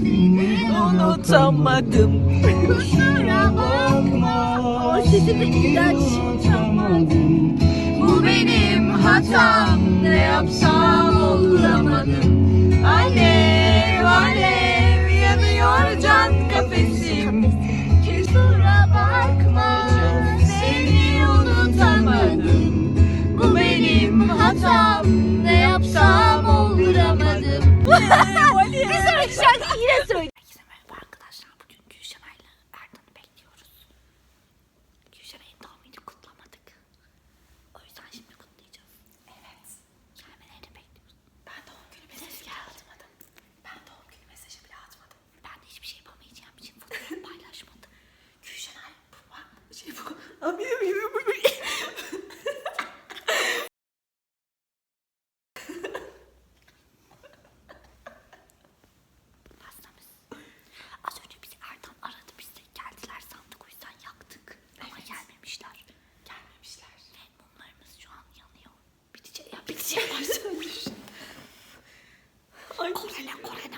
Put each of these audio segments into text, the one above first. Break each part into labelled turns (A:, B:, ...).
A: unutamadım.
B: Kusura bakma. O sesi de güzel çıkamadım. Bu benim hatam. Ne yapsam olamadım. Alev alev yanıyor can kafesim. Kusura bakma. Seni unutamadım. Bu benim hatam. Ne yapsam olamadım. Bir sonraki şarkıyı yine söyle.
C: Herkese merhaba arkadaşlar. Bugün Gülşenay'la Ertan'ı bekliyoruz. Gülşenay'ın doğum gününü kutlamadık. O yüzden şimdi kutlayacağız. Evet. Gelmelerini bekliyoruz. Ben doğum günü mesajı bile atmadım. Ben doğum günü mesajı bile atmadım. Ben de hiçbir şey yapamayacağım için fotoğraf paylaşmadım. Gülşenay bu bak şey bu. Az önce bizi Ertan aradı, biz de geldiler sandık, o yüzden yaktık. Ama gelmemişler. Ve mumlarımız şu an yanıyor. Bitecek başlamış. Korene.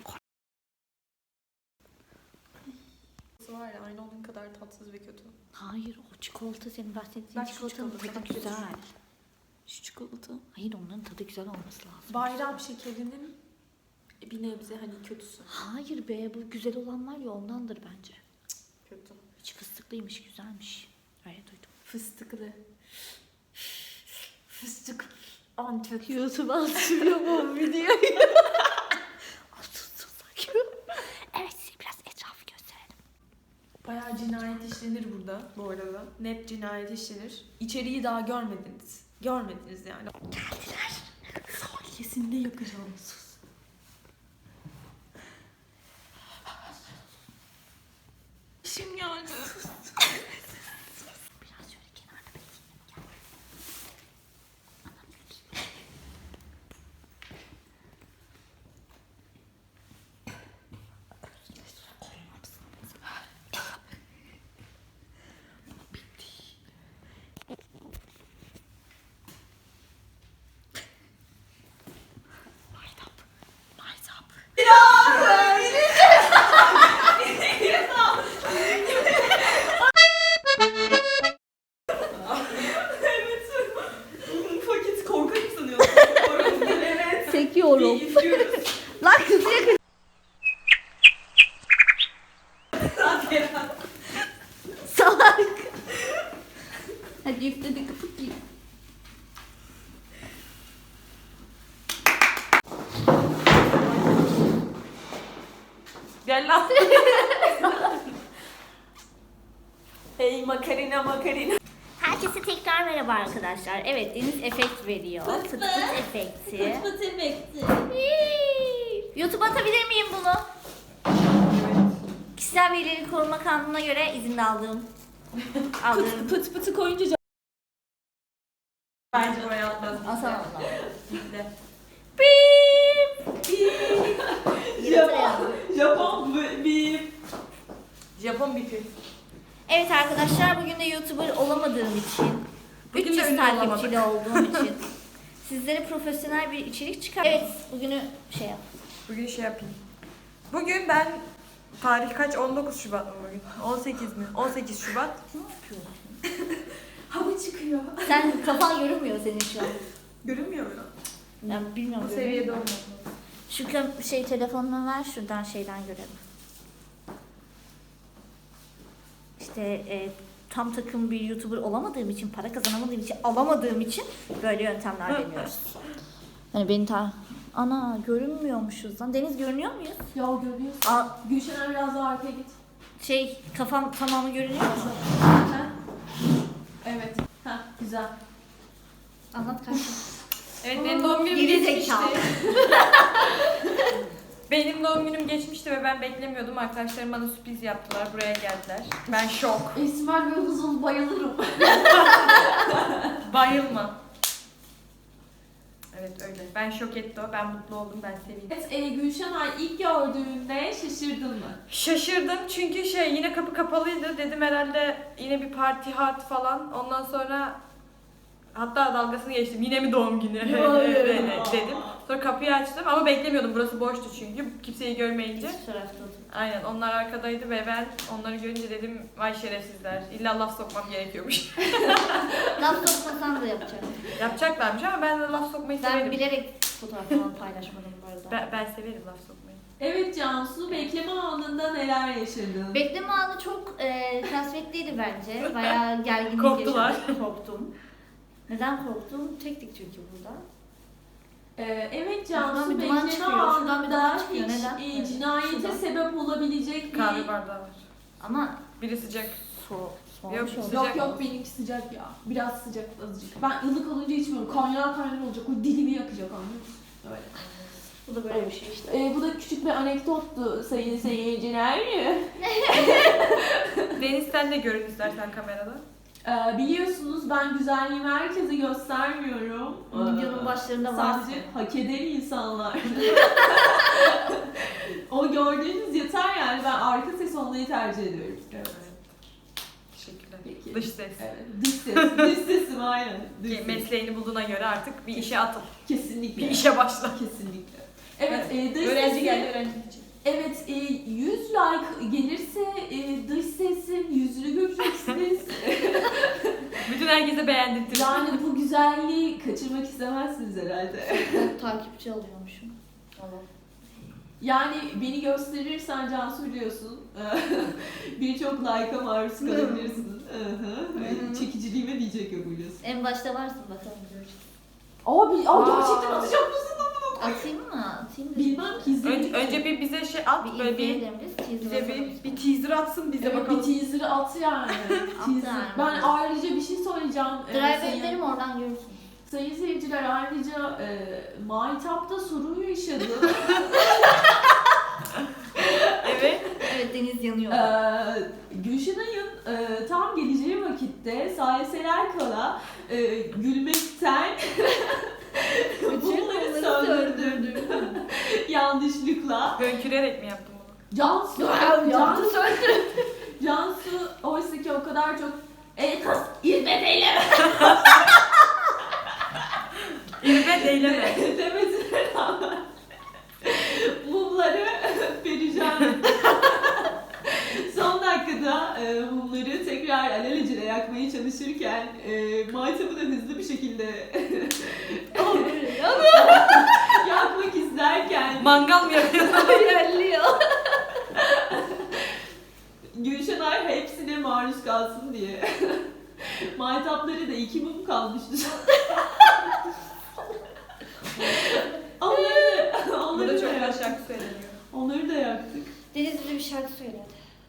D: Var ya, aynı onun kadar tatsız ve kötü.
C: Hayır, o çikolata, senin bahsettiğin
D: Bak şu
C: çikolatanın
D: çikolata,
C: tadı
D: bak
C: güzel.
D: Şu çikolata.
C: Hayır, onların tadı güzel olması lazım.
D: Bayram şekerinin bir nebze hani kötüsü.
C: Hayır be, bu güzel olan var ya, ondandır bence.
D: Kötü.
C: İçi fıstıklıymış, güzelmiş. Öyle duydum.
D: Fıstıklı. Fıstık. Antep.
C: YouTube'a atıyorum videoyu. Evet, size biraz etrafı gösterelim.
D: Bayağı cinayet işlenir burada bu arada. Net cinayet işlenir. İçeriği daha görmediniz. Görmediniz yani.
C: Geldiler.
D: Kesinlikle yakacağım. Sus. İşim geldi.
C: Biraz şöyle kenarda bekleyelim. Gel. Anam bekleyin.
D: Paket korkak sanıyorsun. Evet.
C: Çekiyorum.
D: İzliyoruz.
C: Lan kızı yakın. Salak. Hadi üfledik kapatayım.
D: Gel lan. Hey makarina.
C: Herkese tekrar merhaba arkadaşlar. Evet, Deniz efekt veriyor. Fıt fıt efekti.
B: Fıt efekti.
C: YouTube'a atabilir miyim bunu? Kişisel verileri koruma kanununa göre izin de aldım.
D: Pıt pıtı koyunca bence oraya atmaz.
C: Asamam lan.
D: Gitti.
C: Bip.
D: Japon bipi.
C: Evet arkadaşlar, bugün de YouTuber olamadığım için,
D: Bugün de
C: 300
D: ünlü
C: takipçili olduğum için sizlere profesyonel bir içerik çıkar. Evet, bugünü şey yap.
D: Bugün şey yapayım. Bugün ben tarih kaç? 19 Şubat mı bugün? 18 mi? 18 Şubat.
C: Ne yapıyorsun?
D: Hava çıkıyor.
C: Sen kafan görünmüyor senin şu an.
D: Görünmüyor mu?
C: Ben bilmiyorum.
D: Bu seviyede olmadı.
C: Şu telefonunu ver, şuradan şeyden görelim. İşte tam takım bir YouTuber olamadığım için, para kazanamadığım için, alamadığım için böyle yöntemler deniyoruz. Hani beni ana görünmüyormuşuz lan. Deniz görünüyor muyuz?
D: Ya görüyorsun. Gülşen'e biraz daha arkaya git.
C: Kafam tamamı görünüyor mu?
D: Evet. Heh, güzel.
C: Anlat kanka.
D: Evet, benim doğum günüm
C: Geri
D: geçmişti.
C: zekalı.
D: Benim doğum günüm geçmişti ve ben beklemiyordum. Arkadaşlarım bana sürpriz yaptılar. Buraya geldiler. Ben şok.
B: Esmer ve uzun bayılırım.
D: Bayılma. Evet öyle. Ben şok etti o. Ben mutlu oldum. Ben sevindim.
E: Evet, Gülşenay ilk gördüğünde şaşırdın mı?
D: Şaşırdım çünkü yine kapı kapalıydı. Dedim herhalde yine bir parti hat falan. Ondan sonra hatta dalgasını geçtim. Yine mi doğum günü? Evet, dedim.
A: Sonra kapıyı açtım ama beklemiyordum. Burası boştu çünkü. Kimseyi görmeyince.
B: Hiç tarafta otur.
A: Aynen onlar arkadaydı ve ben onları görünce dedim vay şerefsizler. İlla laf sokmam gerekiyormuş.
B: Laf sokmasan da yapacağım.
A: Yapacaklarmış ama ben de laf sokmayı
B: Ben
A: severim.
B: bilerek fotoğraf falan paylaşmadım bu arada.
A: Ben severim laf sokmayı.
E: Evet Cansu, bekleme anında neler yaşadın?
B: Bekleme anı çok kasvetliydi bence. Bayağı gerginlik
A: Korktular.
B: yaşadım. Korktum. Neden korktum? Çektik çünkü burada.
E: Evet
B: Şuradan
E: Cansu,
B: bir duman
E: bekleme
B: çıkıyor, şuradan bir duman
E: anında
B: çıkıyor.
E: hiç
B: Neden? Evet,
E: cinayete
B: şuradan.
E: sebep olabilecek bir...
A: Kahve bardağı var.
B: Ama
A: Biri sıcak.
B: soğumuş
A: Yok,
B: oldu.
A: sıcak.
E: Yok benimki sıcak ya. Biraz sıcak azıcık. Ben ılık olunca içmiyorum. Kaynar olacak. O dilimi yakacak anlıyor musun? Öyle.
B: Bu da böyle bir şey işte.
E: Bu da küçük bir anekdottu sayın seyirciler.
A: Deniz sen de görün istersen kamerada.
E: Biliyorsunuz ben güzelliğimi herkese göstermiyorum.
B: Videonun başlarında var.
E: Sadece hak eden insanlar. O gördüğünüz yeter yani. Ben arka ses olmayı tercih ediyorum.
A: Evet. Teşekkürler.
E: Peki.
A: Dış ses.
E: Evet, dış ses. Dış sesim aynen. Dış
A: Ki
E: ses.
A: mesleğini bulduğuna göre artık bir işe atıl.
E: Kesinlikle.
A: Bir işe başla.
E: Kesinlikle. Evet, dış
A: Öğrenci
E: sesi-
A: geldi öğrenci için.
E: Evet, 100 like gelirse dış sesin yüzünü göreceksiniz.
A: Bütün herkese beğendirtir.
E: Yani bu güzelliği kaçırmak istemezsiniz herhalde.
B: Takipçi alıyormuşum. Allah.
E: Yani beni gösterirsen Cansu biliyorsun. Birçok like'a maruz kalabilirsin. Çekiciliğime diyecek yok biliyorsun.
B: En başta varsın bakalım göreceğiz.
E: Gerçekten atacak mısın?
B: Atayım mı? Atayım mı?
E: Bilmem ki izleyelim.
A: Önce bir bize şey at,
B: Bir
A: böyle bir
B: izleyelim biz. Teaser
A: bize
B: atalım.
A: bir teaser atsın bize
E: Evet,
A: bakalım.
E: bir teaser at yani. Teaser.
B: yani.
E: Ben ayrıca bir şey söyleyeceğim.
B: Drive
E: Sayın-
B: ederim oradan görürsün.
E: Sayın seyirciler ayrıca Maytap'ta sorun yaşadım.
A: Evet.
B: Evet deniz yanıyor.
E: Gülşenay'ın tam geleceği vakitte saliseler kala gülmekten bunları söndürdüm. Yanlışlıkla.
A: Hönkürerek mi yaptın bunu?
E: Cansu oysa ki o kadar çok kız İzmet
A: İlme deyleme.
E: demesine rağmen mumları perişan son dakikada mumları tekrar alelacele yakmaya çalışırken Maytap'ı da hızlı bir şekilde yakmak isterken
A: Mangal mı yapıyorsun?
B: İlerliyor.
E: Gülşenay hepsine maruz kalsın diye Maytapları da 2 mum kalmıştı. onları
A: Burada
E: da
A: çok güzel
E: yaktık.
A: şarkı söyleniyor.
E: Onları da yaktık.
B: Deniz bize bir şarkı söyledi.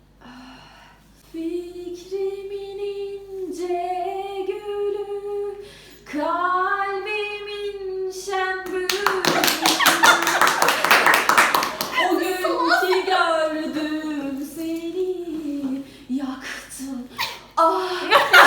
E: Fikrimin ince gülü, kalbimin şen bülü. O gün ki gördüm seni, yaktın. Ah.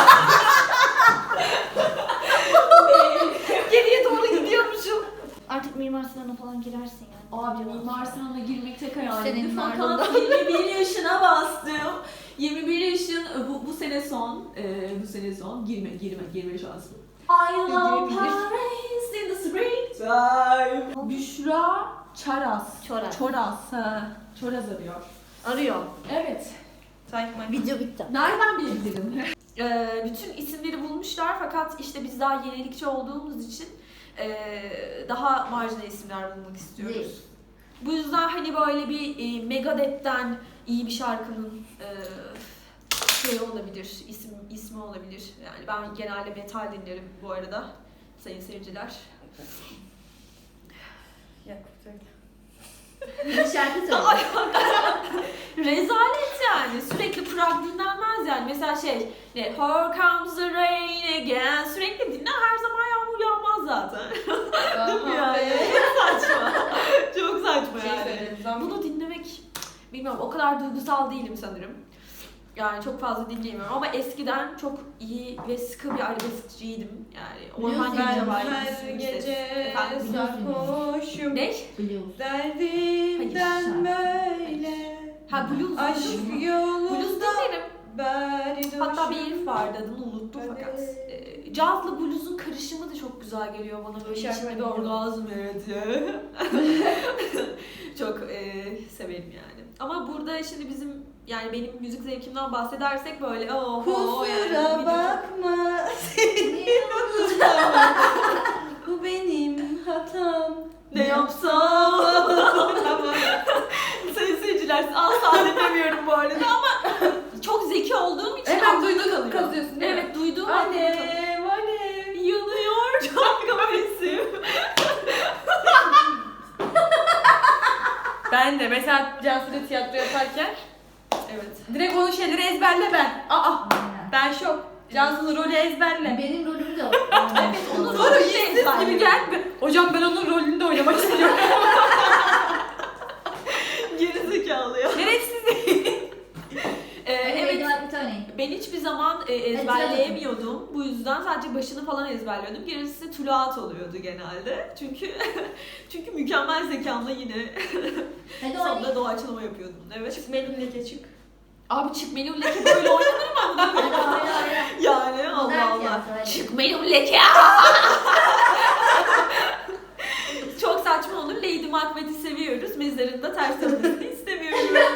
B: Geriye doğru gidiyormuşum. Artık Mimar Sinan'a falan girersin yani.
E: Abi Mimar Sinan'a girmek tek hayalimdi.
B: Senin
E: Fakat
B: ardında.
E: 21 yaşına bastım. 21 yaşın bu sene son. Bu sene son. Girme şansım. I love
B: Girebilir.
E: Paris in the springtime. Büşra Çaras.
B: Çoraz.
E: Çoraz arıyor.
B: Arıyor.
E: Evet.
B: Video bitti.
E: Nereden bilebilirim?
D: Bütün isimleri bulmuşlar fakat işte biz daha yenilikçi olduğumuz için daha marjinal isimler bulmak istiyoruz.
B: Değil.
D: Bu yüzden hani böyle bir Megadeth'ten iyi bir şarkının şey olabilir, ismi olabilir. Yani ben genelde metal dinlerim bu arada sayın seyirciler.
B: Bir şarkı söyle.
D: Rezalet yani. Sürekli Prag dinlenmez yani. Mesela Here comes the rain again. Sürekli dinle, her zaman yağmur yağmaz zaten. Değil mi yani? Çok saçma. Çok saçma yani. Bunu dinlemek, bilmiyorum, o kadar duygusal değilim sanırım. Yani çok fazla dinleyemiyorum ama eskiden çok iyi ve sıkı bir arabeskçiydim. Yani Orhan
B: Biliyorsun
D: Gencebay
B: yani,
A: Her gece
D: Efendim,
A: sarhoşum.
D: Ne?
B: Biliyoruz.
A: Derdimden
B: Hayır,
A: böyle.
D: Ha blues.
A: Aşk
D: Blues
A: yolunda.
D: dinlerim. Hatta bir herif vardı, adını unuttum fakat. Cazla blues'un karışımı da çok güzel geliyor bana, böyle
A: Şarkı
D: içimde bir
A: biliyorum.
D: orgazm yaratıyor. Çok severim yani. Ama burada şimdi bizim, yani benim müzik zevkimden bahsedersek böyle oho yani.
F: Kusura bakma seni unutamam. Bu benim hatam.
D: Ne yapsam? Sayın seyirciler, asla dinlemiyorum bu arada ama çok zeki olduğum için
A: Evet,
D: aklımda
A: duydun,
D: kalıyor.
A: kazıyorsun değil mi?
D: Evet, duyduğum aklımda kalıyor.
F: Alev alev.
D: Yanıyor çok kahretsin.
A: Ben de mesela Cansu'da tiyatro yaparken
D: Evet.
A: direkt onun şeyleri ezberle ben. Ben şok. Cansu'nun rolü ezberle.
B: Benim rolüm de o.
D: Evet, onun
A: Sonra
D: rolü
A: yüzsüz
D: ezberle.
A: gibi gelme. Hocam ben onun rolünde oynamak istiyorum.
D: Gerizekalı ya.
A: Gereksiz.
D: Evet.
B: Bir tane.
D: Ben hiçbir zaman ezberleyemiyordum. Bu yüzden sadece başını falan ezberliyordum. Gerisi tuluat oluyordu genelde. Çünkü mükemmel zekamla yine
B: Hadi
D: sonunda
B: oynayın.
D: doğaçlama yapıyordum. Evet.
A: Çık Melun leke çık.
D: Abi çık Melun Leke böyle oynanır mı amına koyayım? Yani Allah
B: Modern
D: Allah.
B: tiyatro, hadi.
D: Çık Melun Leke. Çok saçma olur. Lady Macbeth'i seviyoruz. Mezarında ters dönmesini istemiyoruz.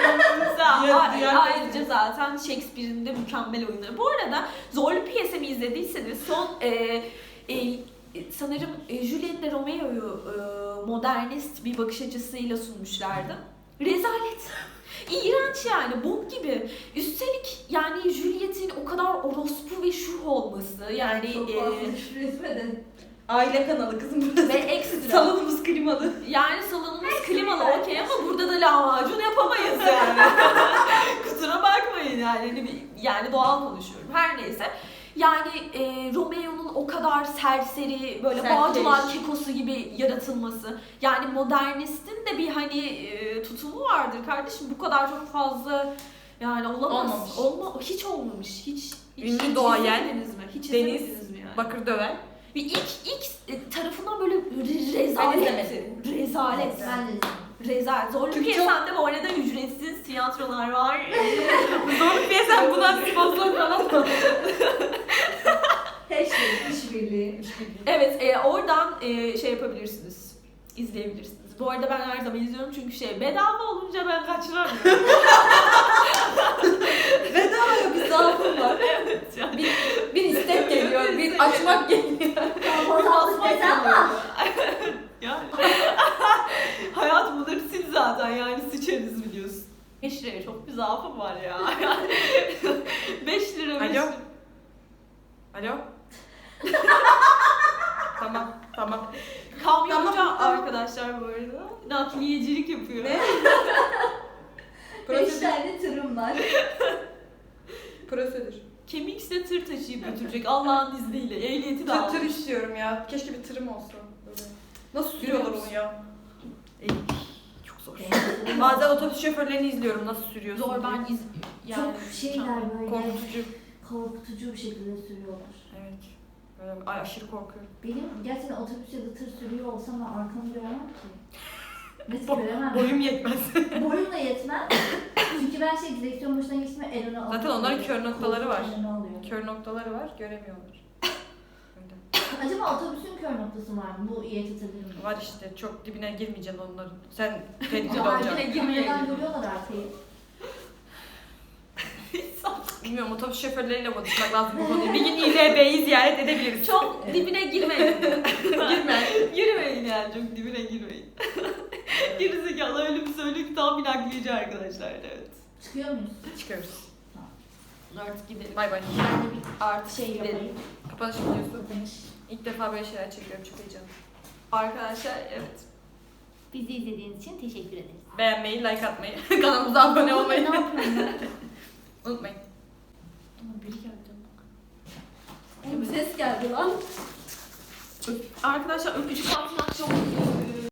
D: Ayrıca zaten Shakespeare'in de mükemmel oyunları. Bu arada Zorlu Piyesemi izlediyseniz son sanırım Juliet'le Romeo'yu modernist bir bakış açısıyla sunmuşlardı. Rezalet. İğrenç yani, bok gibi. Üstelik yani Juliet'in o kadar orospu ve şuh olması yani
B: Çok fazla küfür etmedin.
F: Aile kanalı kızım burası.
D: ve ekstra.
F: Salonumuz klimalı.
D: Yani salonumuz klimalı okey ama burada da lahmacun yapamayız yani. Kusura bakmayın yani. Yani doğal konuşuyorum. Her neyse. Yani Romeo'nun o kadar serseri, böyle
F: Serkeş.
D: Bağcılar kekosu gibi yaratılması. Yani modernistin de bir hani tutumu vardır kardeşim. Bu kadar çok fazla yani olamaz.
A: Olmamış.
D: Hiç olmamış. Hiç
A: Ünlü doğayen,
D: izlemediniz mi? Hiç
A: Deniz,
D: izlemediniz mi yani?
A: Bakır döven.
D: Bir ilk tarafından böyle rezaletti. Rezalet.
B: Ben de
D: Rezalet. Zorlu
A: Çünkü
D: Piyasam'da bu arada ücretsiz tiyatrolar var.
A: Zorlu piyasam buna sponsor falan mı?
B: Hashtag işbirliği.
D: Evet, oradan şey yapabilirsiniz. İzleyebilirsiniz. Bu arada ben her zaman izliyorum çünkü bedava olunca ben kaçıramıyorum.
F: Bedava ya, bir zaafım var.
D: Evet yani.
A: Bir istek geliyor, bir açmak geliyor.
B: Fotoğraflık desen var.
D: Yani. Hayat bunları sil zaten yani, sıçarız biliyorsun. 5 liraya çok bir zaafım var ya. 5 lira.
A: Alo. Alo. Tamam.
D: Kamyoncu
F: Tamam.
D: arkadaşlar bu arada. Nakliyecilik yapıyor.
F: Ne?
B: 5 tane tırım var.
A: Prosedür.
D: Kemikse tır taşıyıp götürecek Allah'ın izniyle. Ehliyeti de
A: Tır
D: almış.
A: istiyorum ya. Keşke bir tırım olsa. Böyle. Nasıl sürüyorlar onu ya?
D: Çok zor.
A: Bazen otobüs şoförlerini izliyorum nasıl sürüyorsun
D: Zor
A: diye.
D: ben yani
B: Çok şeyler böyle
A: Korkutucu.
B: korkutucu bir şekilde sürüyorlar.
A: Evet. Böyle aşırı korkuyorum.
B: Benim gerçekten otobüs ya da tır sürüyor olsam ben arkamı göremem ki. Nasıl göremem?
A: Boyum yetmez.
B: Boyum da yetmez. Çünkü ben direksiyon başına geçtiğimde el öne alıyorum.
A: Zaten onların kör noktaları var.
B: El öne alıyorum.
A: Kör noktaları var, göremiyorlar. Öyle.
B: Acaba otobüsün kör noktası var mı? Bu iyi tutabilir mi?
A: Var işte, çok dibine girmeyeceksin onların. Sen tehlikeli
B: Ama
A: olacaksın.
B: yine girmeden görüyorlar arkayı.
A: Bilmiyorum, otobüs şoförleriyle konuşmak lazım bu konuyu. Bir gün İBB'yi ziyaret edebiliriz.
D: çok dibine girmeyin.
A: Girme.
D: Girmeyin yani, çok dibine girmeyin. Gerizekalı öyle bir söylüyor ki tam bir nakliyeci arkadaşlar, evet.
B: Çıkıyor muyuz?
A: Çıkıyoruz.
D: Artık gidelim.
A: Bay bay.
B: Ben de bir
D: Artık
B: şey
D: gidelim.
B: yapayım.
A: Kapanış videosu.
B: Kapanış.
A: İlk defa böyle şeyler çekiyorum, çok heyecanlı.
D: Arkadaşlar evet.
B: Bizi izlediğiniz için teşekkür ederiz.
A: Beğenmeyi, like atmayı, kanalımıza abone olmayı
B: Ne yapıyorum ben?
A: unutmayın.
D: Biri geldi.
B: Ses geldi lan.
D: Arkadaşlar öpücük atmak çok